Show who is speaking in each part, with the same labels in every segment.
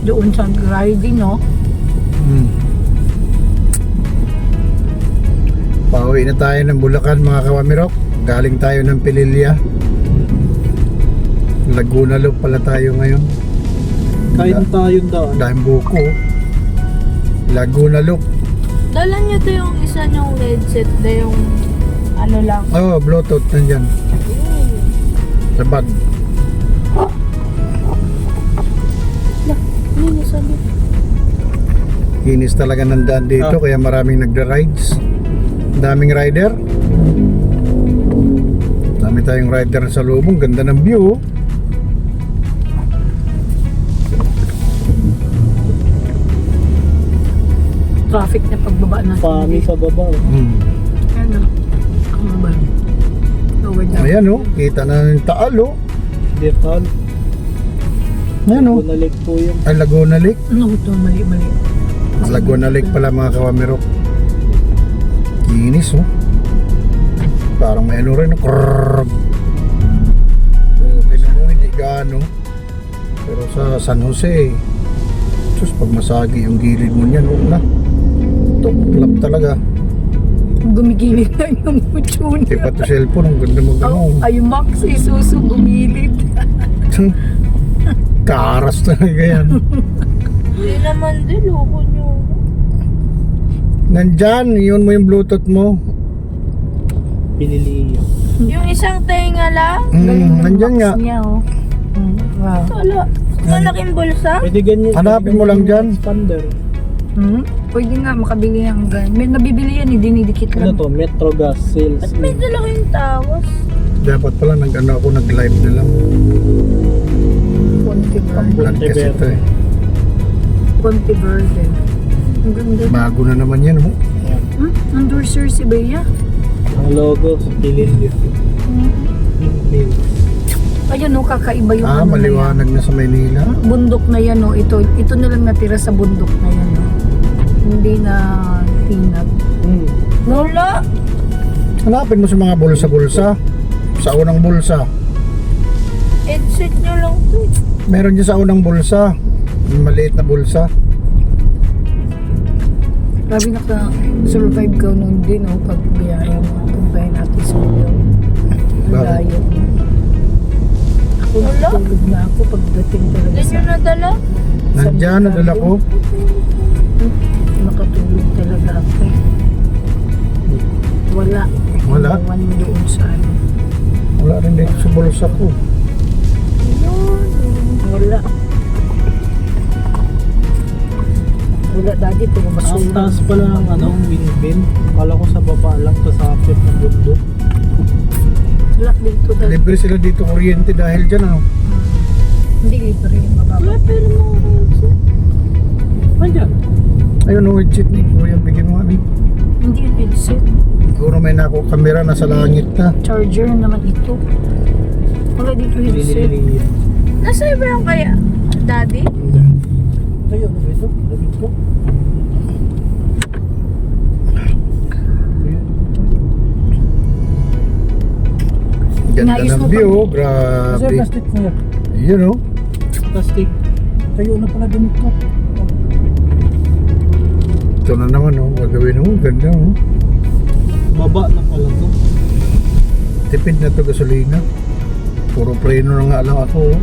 Speaker 1: Doon sa riding, no?
Speaker 2: Pauwi na tayo ng Bulacan mga kawamirok. Galing tayo ng Pililya. Laguna Loop pala tayo ngayon.
Speaker 3: Kain tayong daan.
Speaker 2: Dahil buko. Laguna Loop.
Speaker 4: Dala niyo to yung isa niyong headset na yung ano lang.
Speaker 2: Oh, Bluetooth nandyan. Sa bag.
Speaker 4: Hindi sabi.
Speaker 2: Inis talaga ng daan dito kaya maraming nagda-rides. Daming rider. Dami tayong rider sa lubong. Ganda ng view.
Speaker 1: Traffic na pagbaba natin.
Speaker 3: Pami sa baba.
Speaker 1: Ano? Ang ba? Lower down.
Speaker 2: Ayan oh, kita na ng Taal oh.
Speaker 3: Detal.
Speaker 2: Ayan oh.
Speaker 3: Bunalik po yung
Speaker 2: Ay, Laguna Lake.
Speaker 1: Ano ito? Mali.
Speaker 2: Laguna Lake pala mga kawamirok. Inis oh. Parang may ano rin. Krrrr. Pinamo hindi gaano. Pero sa San Jose, sus, pag masagi yung gilid mo niyan, huwag na. Tuklap talaga.
Speaker 1: Gumigilid na yung mucho
Speaker 2: Di
Speaker 1: niya.
Speaker 2: pa to cellphone, ang ganda mo gano'n.
Speaker 1: Ay, Max, isuso gumilid.
Speaker 2: Karas talaga yan.
Speaker 4: Hindi naman din, loko niyo.
Speaker 2: Nandyan, yun mo yung Bluetooth mo.
Speaker 3: pinili.
Speaker 4: Yung isang tenga lang.
Speaker 2: Nandyan nga.
Speaker 1: Niya, oh. Wow.
Speaker 4: Wala. Malaking bulsa.
Speaker 3: Pwede ganyan.
Speaker 2: Hanapin mo lang dyan.
Speaker 3: Expander.
Speaker 1: Pwede nga makabili ng gan. May nabibili yan, dinidikit
Speaker 3: Ano
Speaker 1: lang.
Speaker 3: to? Metro Gas Sales.
Speaker 4: At may dala kayong tawas.
Speaker 2: Dapat pala nag-ano ako, nag-live na lang.
Speaker 1: Ponte
Speaker 2: Vlog kasi ito eh.
Speaker 1: Verde. Ang ganda.
Speaker 2: Bago na naman yan oh.
Speaker 1: Endorser si Bea.
Speaker 3: Ang logo sa Pililya.
Speaker 1: Ayun, oh, kakaiba yung ano na yan.
Speaker 2: Maliwanag na sa Maynila.
Speaker 1: Bundok na yan, oh. Ito na lang natira sa bundok na yan, oh. Hindi na tinag.
Speaker 4: Wala.
Speaker 2: Hanapin mo sa mga bulsa-bulsa. Sa unang bulsa.
Speaker 4: Headset nyo lang to.
Speaker 2: Meron dyan sa unang bulsa. Yung maliit na bulsa.
Speaker 1: Grabe naka-survive ka nun din, oh, pag biyaya mo. Kumpay natin sa iyo. Ang
Speaker 2: Bakit?
Speaker 1: layo. Ako
Speaker 4: Wala.
Speaker 1: natulog na ako pagdating talaga
Speaker 4: Hindi nyo
Speaker 1: sa...
Speaker 4: nadala.
Speaker 2: Nandyan, nadala ko.
Speaker 1: Nakatulog talaga ako. Wala.
Speaker 2: Wala?
Speaker 1: Iwan mo doon sa ano.
Speaker 2: Wala rin dito sa bulsa ko.
Speaker 1: Wala. Wala, daddy, pero
Speaker 3: Ang
Speaker 1: masura.
Speaker 3: taas pala ng ano, windmill. Kala ko sa baba lang, kasapit ng bundok.
Speaker 1: Wala dito, daddy.
Speaker 2: Libre sila dito kuryente dahil dyan ano.
Speaker 1: Hindi libre yung mababa.
Speaker 4: Wala pero mga headset.
Speaker 3: Andyan.
Speaker 2: Ayun oh, cheat ni Kuya. Bigyan mo kami.
Speaker 1: Hindi yung headset.
Speaker 2: Siguro may nako kamera nasa langit na.
Speaker 1: Charger naman ito. Wala dito headset.
Speaker 3: Pinili.
Speaker 4: Nasa iba yung kaya? Daddy?
Speaker 3: Ayun, ano ito? Damit ko.
Speaker 2: Ganda
Speaker 1: Inayos
Speaker 2: ng
Speaker 1: mo
Speaker 2: view.
Speaker 1: pa.
Speaker 2: Grabe.
Speaker 3: plastic niya.
Speaker 2: Yun oh.
Speaker 3: Plastic. Tayo na pala damit ko.
Speaker 2: Ito na naman oh. Gagawin oh. Ganda oh.
Speaker 3: Baba na pala to.
Speaker 2: Tipid na to gasolina. Puro preno na nga lang ako oh.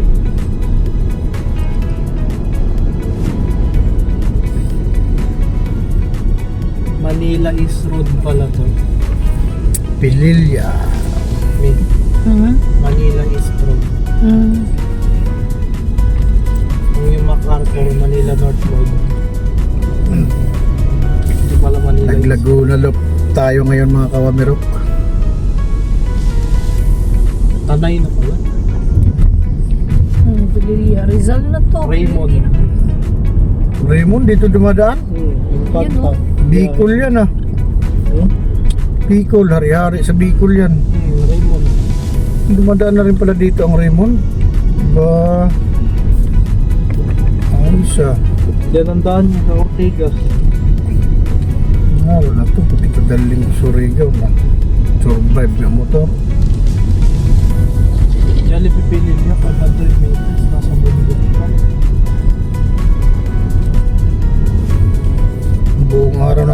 Speaker 3: Manila East Road pala to.
Speaker 2: Pililya.
Speaker 3: May
Speaker 1: Hmm?
Speaker 3: Manila East Road. Kung yung MacArthur, Manila North Road. Ito pala Manila East.
Speaker 2: Naglaguna Loop tayo ngayon mga kawamirok.
Speaker 3: Tanay na pala.
Speaker 1: Pililya. Rizal na to.
Speaker 3: Raymond.
Speaker 2: Raymond dito dumadaan.
Speaker 3: Impact
Speaker 1: Yun, oh.
Speaker 2: Bicol yan ah. Bicol, hari-hari sa Bicol yan.
Speaker 3: Raymond.
Speaker 2: Dumadaan na rin pala dito ang Raymond. Ba, ayos ah.
Speaker 3: Diyan ang daan niya sa Ortigas.
Speaker 2: Wala to, pati ko daling Surigao na. Survive na motor.
Speaker 3: Jollibee Pililya, 500 meters. Nasa bundok pa.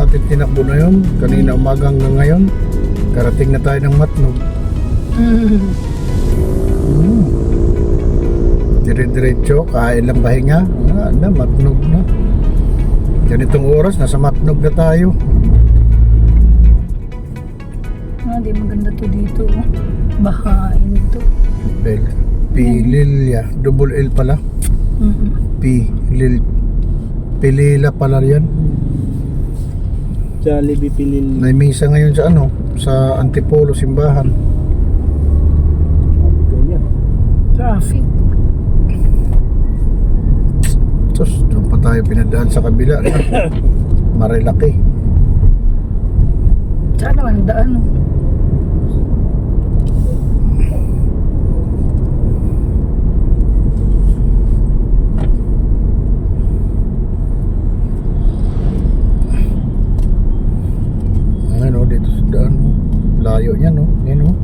Speaker 2: natin tinakbo na yun. Kanina umaga hanggang ngayon. Karating na tayo ng Matnog. Dire-diretso, kain lang pahinga. Na, Matnog na. Ganitong oras, nasa Matnog na tayo.
Speaker 1: Di maganda to dito. Oh. Bahain ito.
Speaker 2: Pililya. Double L pala. Pilila pala yan.
Speaker 3: Jollibee Pilil.
Speaker 2: May misa ngayon sa ano, sa Antipolo simbahan.
Speaker 1: Traffic.
Speaker 2: Tapos doon pa tayo pinadaan sa kabila. Marilaki.
Speaker 1: Saan naman daan? Oh.
Speaker 2: Ano dito sa daan, layo niya, no? Yan, no?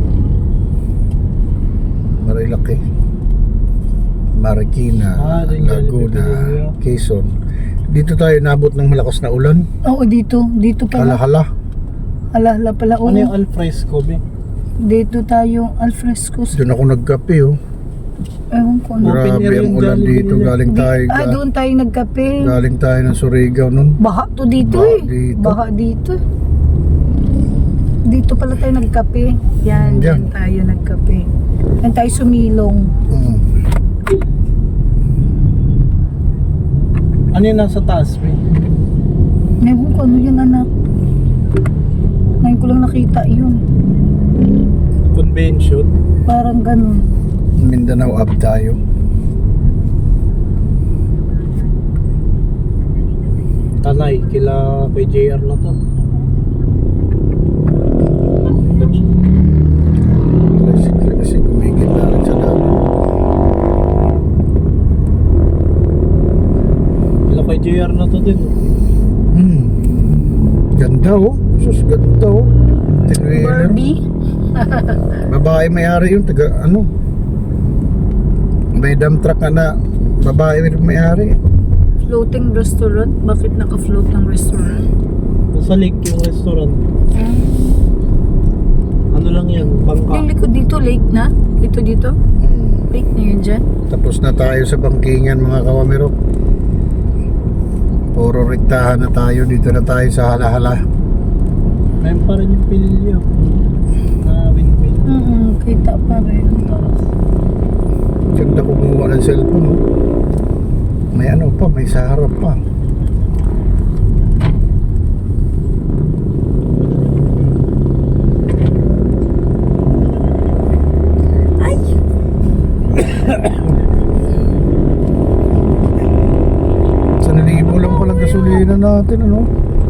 Speaker 2: Marilaki, Marikina,
Speaker 3: Rin
Speaker 2: Laguna,
Speaker 3: Jollibee.
Speaker 2: Quezon. Dito tayo nabot ng malakas na ulan.
Speaker 1: Oo, dito. Dito pala.
Speaker 2: Hala-hala.
Speaker 1: Ala pala. Oo.
Speaker 3: Ano yung alfresco, be?
Speaker 1: Dito tayo, alfresco.
Speaker 2: Doon ako nagkape, oh.
Speaker 1: Ewan ko ano.
Speaker 3: Open
Speaker 2: Grabe
Speaker 3: air
Speaker 2: ang
Speaker 3: yung
Speaker 2: ulan
Speaker 3: Jollibee
Speaker 2: dito.
Speaker 3: nila.
Speaker 2: Galing tayo,
Speaker 1: Doon tayo nagkape.
Speaker 2: galing tayo ng Surigao nun.
Speaker 1: Baha to dito
Speaker 2: Baha
Speaker 1: eh.
Speaker 2: dito.
Speaker 1: Baha dito. Dito pala tayo nagkape. Yan,
Speaker 2: Diyan.
Speaker 1: dyan tayo nagkape. Yan tayo sumilong.
Speaker 3: Ano yung nasa taas, be?
Speaker 1: Ewan ko ano yun, anak. Ngayon ko lang nakita yun.
Speaker 3: Convention.
Speaker 1: Parang ganun.
Speaker 2: Mindanao up tayo.
Speaker 3: Tanay, kila kay JR na to.
Speaker 2: Kasi kumigit na rin sa dami.
Speaker 3: Kila kay JR na to din.
Speaker 2: Ganda, oh. Sus, ganda, oh. Tinwheeler.
Speaker 1: Barbie.
Speaker 2: Babae may-ari yun, taga ano. May dump truck na babae may-ari.
Speaker 1: Floating restaurant. Bakit naka-float ang restaurant?
Speaker 3: Nasa lake yung restaurant. Ano lang yan,
Speaker 1: Yung
Speaker 3: bangka.
Speaker 1: likod dito, lake na? Dito? Lake na yun dyan?
Speaker 2: Tapos na tayo sa bangkingan, mga kawamero. Puro rektahan na tayo. Dito na tayo sa hala-hala.
Speaker 3: Mayroon pa rin yung pililyo. Na windmill.
Speaker 1: Kita pa rin.
Speaker 2: Ganda kumuha ng cellphone, oh. May ano pa, may sa harap pa. Sanalibo lang pala gasolina natin, ano?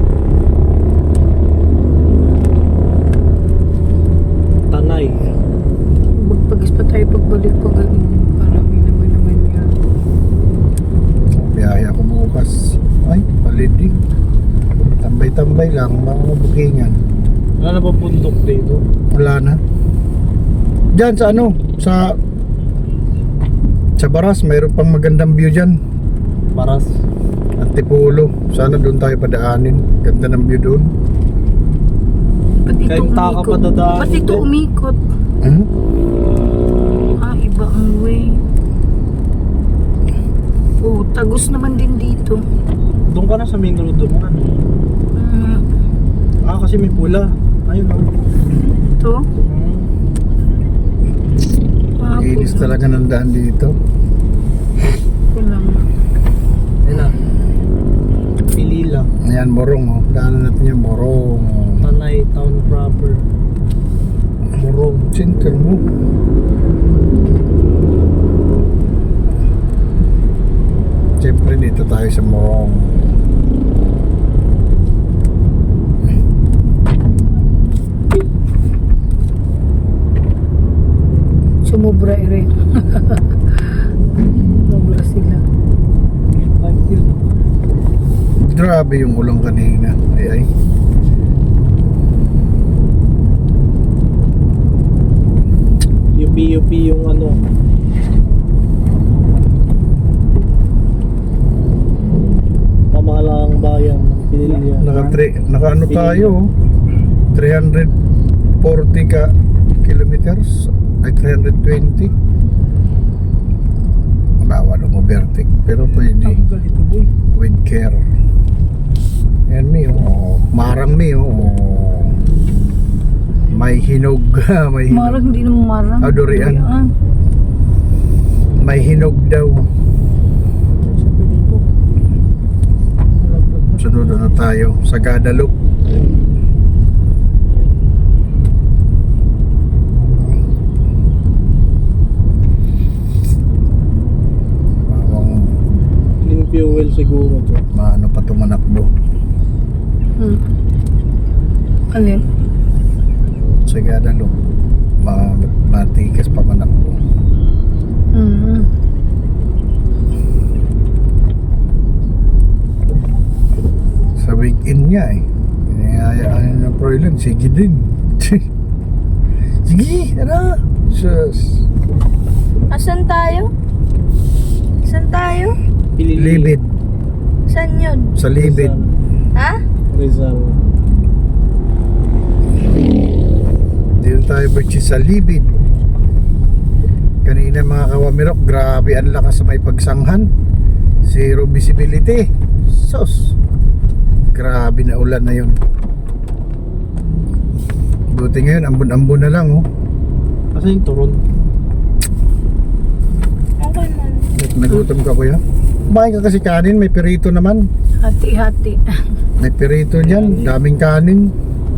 Speaker 3: Tanay.
Speaker 1: Magpagis pa tayo pagbalik pa ganun. Parang naman yan.
Speaker 2: Biyahe ako bukas. Ay, palidi. Tambay-tambay lang, mga bookingan.
Speaker 3: Wala na ba bundok dito?
Speaker 2: Wala na. Diyan sa ano, sa Baras, mayroon pang magandang view dyan.
Speaker 3: Paras.
Speaker 2: Antipolo. Sana doon tayo padaanin. Ganda ng view doon.
Speaker 1: Ba't ito
Speaker 3: Kahit taka pa dadaan.
Speaker 1: Ba't ito umikot?
Speaker 2: Hmm?
Speaker 1: Iba ang way. Oh, tagos naman din dito.
Speaker 3: Doon ka na sa main road mo. Kasi may pula. Ayun o.
Speaker 1: Ito?
Speaker 2: Inis talaga ng daan dito.
Speaker 1: Ito lang.
Speaker 3: Ayun na. Pilila.
Speaker 2: Ayan, Morong, oh. Daanan natin yung Morong.
Speaker 3: Tanay, town proper. Morong.
Speaker 2: Center mo. Siyempre dito tayo sa Morong.
Speaker 1: Sumubra rin. Sumubra sila.
Speaker 3: Like yun.
Speaker 2: Grabe yung ulang kanina. Ay.
Speaker 3: UP yung ano. Pamahalaang bayan ng Pinili
Speaker 2: Naka ano tayo, 340 kilometers, ay 320. Bawal ang overtake, pero pwede
Speaker 3: Ang ganito boy.
Speaker 2: with care. Yan mi, oh. Marang mi, oh. May hinog, may hinog.
Speaker 1: Marang, hindi naman marang.
Speaker 2: Ah, durian. May hinog daw.
Speaker 3: Sabi dito. Laglag na.
Speaker 2: Sunod na tayo sa Guadalupe. Bawang
Speaker 3: Clean fuel siguro to.
Speaker 2: maano pa tumanakbo.
Speaker 1: Alin?
Speaker 2: Sa Guadalupe. Matikas pa manakbo. Sa weekend niya eh. Inayayaan na Proilan, sige din. Sige, tara. Sus.
Speaker 4: Asan tayo? Saan tayo?
Speaker 2: Libid.
Speaker 4: Saan yun?
Speaker 2: Sa Libid.
Speaker 4: Ha?
Speaker 3: Rizal.
Speaker 2: Dito tayo Berchi sa Libid. Kanina mga kawamirok, grabe ang lakas sa may pagsanghan. Zero visibility. Sus. Grabe na ulan na yun. Buti ngayon, ambon-ambon na lang oh.
Speaker 3: Asa yung turon?
Speaker 4: Okay man.
Speaker 2: Nagutom ka kuya? Kumain ka kasi kanin, may perito naman.
Speaker 1: Hati-hati.
Speaker 2: May perito dyan, daming kanin.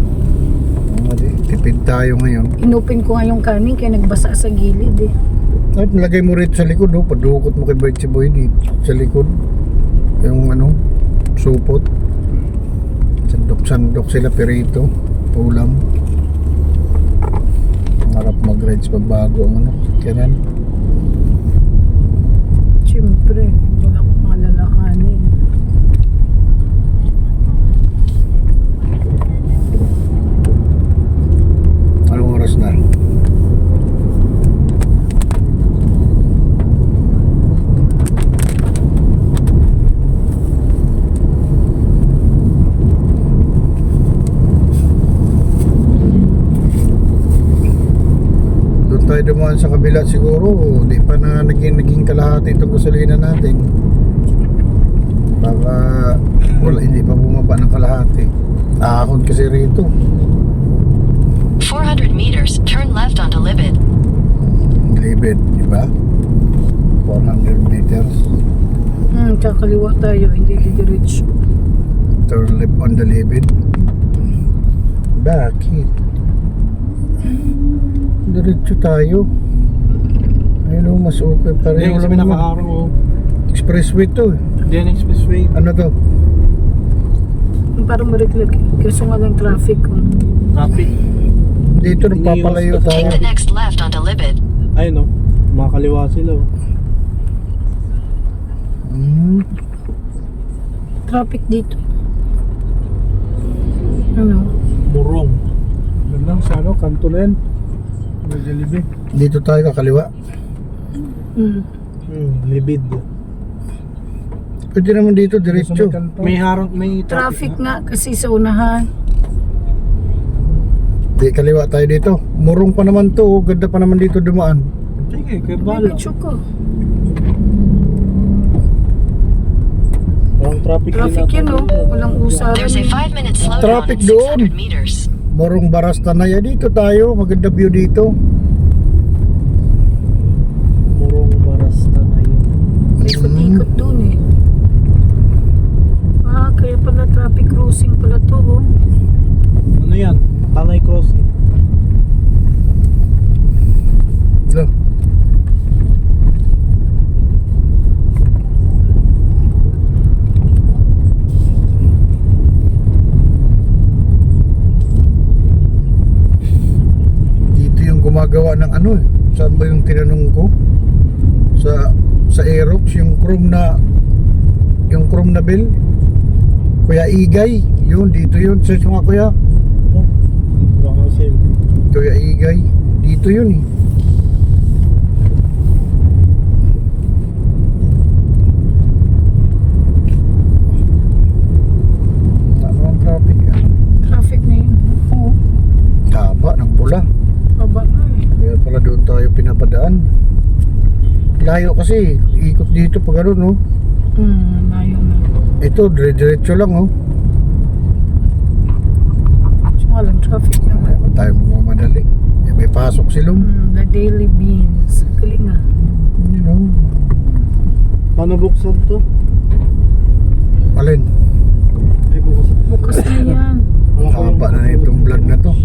Speaker 2: Tipid tayo ngayon.
Speaker 1: Inupin ko nga yung kanin kaya nagbasa sa gilid eh.
Speaker 2: At nalagay mo rito sa likod, oh. Padukot mo kay Bertie Boy dito sa likod. Yung ano, supot. Sandok-sandok sila perito. Ulam. Harap mag-rides pag bago ang ano, kanan.
Speaker 1: Siyempre, wala akong malalakanin.
Speaker 2: Anong oras na? Doon tayo dumaan sa kabila siguro. Di pa na naging kalahati itong gasolina natin. Baka wala, hindi pa bumaba ng kalahati. Ahon kasi rito.
Speaker 5: 400 meters, turn left onto Libid.
Speaker 2: Libid, di ba? 400 meters.
Speaker 1: Kakaliwa tayo, hindi didiretso.
Speaker 2: Turn left on the Libid. Bakit? Diretso tayo. Ayun o, mas okay pa rin.
Speaker 3: Hindi kasi may nakaharang oh.
Speaker 2: Expressway to.
Speaker 3: Diyan expressway.
Speaker 2: Ano to?
Speaker 1: Parang mariklag eh. Kaso nga lang traffic ko.
Speaker 3: Traffic.
Speaker 2: Dito napapalayo
Speaker 5: Take
Speaker 2: tayo.
Speaker 5: the next left onto Libid.
Speaker 3: Ayun oh. Makakaliwa sila oh.
Speaker 1: Traffic dito. Ano?
Speaker 3: Burong. Doon lang sa ano, kanto na yan. Medyo libid.
Speaker 2: Dito tayo kakaliwa.
Speaker 3: Libid.
Speaker 2: Pwede naman dito diretso.
Speaker 3: May harang, may
Speaker 1: Traffic nga kasi sa unahan.
Speaker 2: Di kaliwa tayo dito. Murong pa naman to. Oh. Ganda pa naman dito dumaan.
Speaker 3: Sige, kaya
Speaker 1: May
Speaker 3: bala.
Speaker 1: picture ko.
Speaker 3: Walang traffic
Speaker 1: Traffic yun oh. Walang usaran.
Speaker 5: There's a 5-minute slowdown
Speaker 2: Traffic
Speaker 5: at
Speaker 2: doon.
Speaker 5: 600 meters.
Speaker 2: Morong Barastanaya. Dito tayo. Maganda view dito.
Speaker 3: Murong Barasta na yun.
Speaker 1: May ikot-ikot dun eh. Kaya pala traffic crossing pala to oh.
Speaker 3: Ano yan? Tanay Crossing.
Speaker 2: Ito. Dito yung gumagawa ng ano eh. Saan ba yung tinanong ko? Sa Aerox, yung chrome na bill. Kuya Igay, yun, dito yun. Search mo nga kuya.
Speaker 3: Oh, baka same.
Speaker 2: Kuya Igay, dito yun eh. Layo kasi, ikot dito pag ano, no?
Speaker 1: Layo na.
Speaker 2: Ito, dire-diretso lang, oh.
Speaker 1: So, walang traffic naman.
Speaker 2: Wala tayo mamadali. Eh, may pasok silong.
Speaker 1: The Daily Beans. Galing nga.
Speaker 2: You know.
Speaker 3: Paano buksan to?
Speaker 2: Alin?
Speaker 3: Ay, buksan.
Speaker 1: Bukas na yan.
Speaker 2: Haba na itong vlog na to.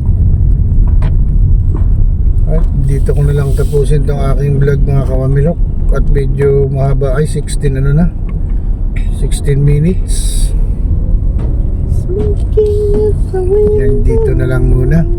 Speaker 2: At dito ko na lang tapusin tong aking vlog mga kawamilok. At medyo mahaba ay 16 ano na. 16 minutes. Yan dito na lang muna.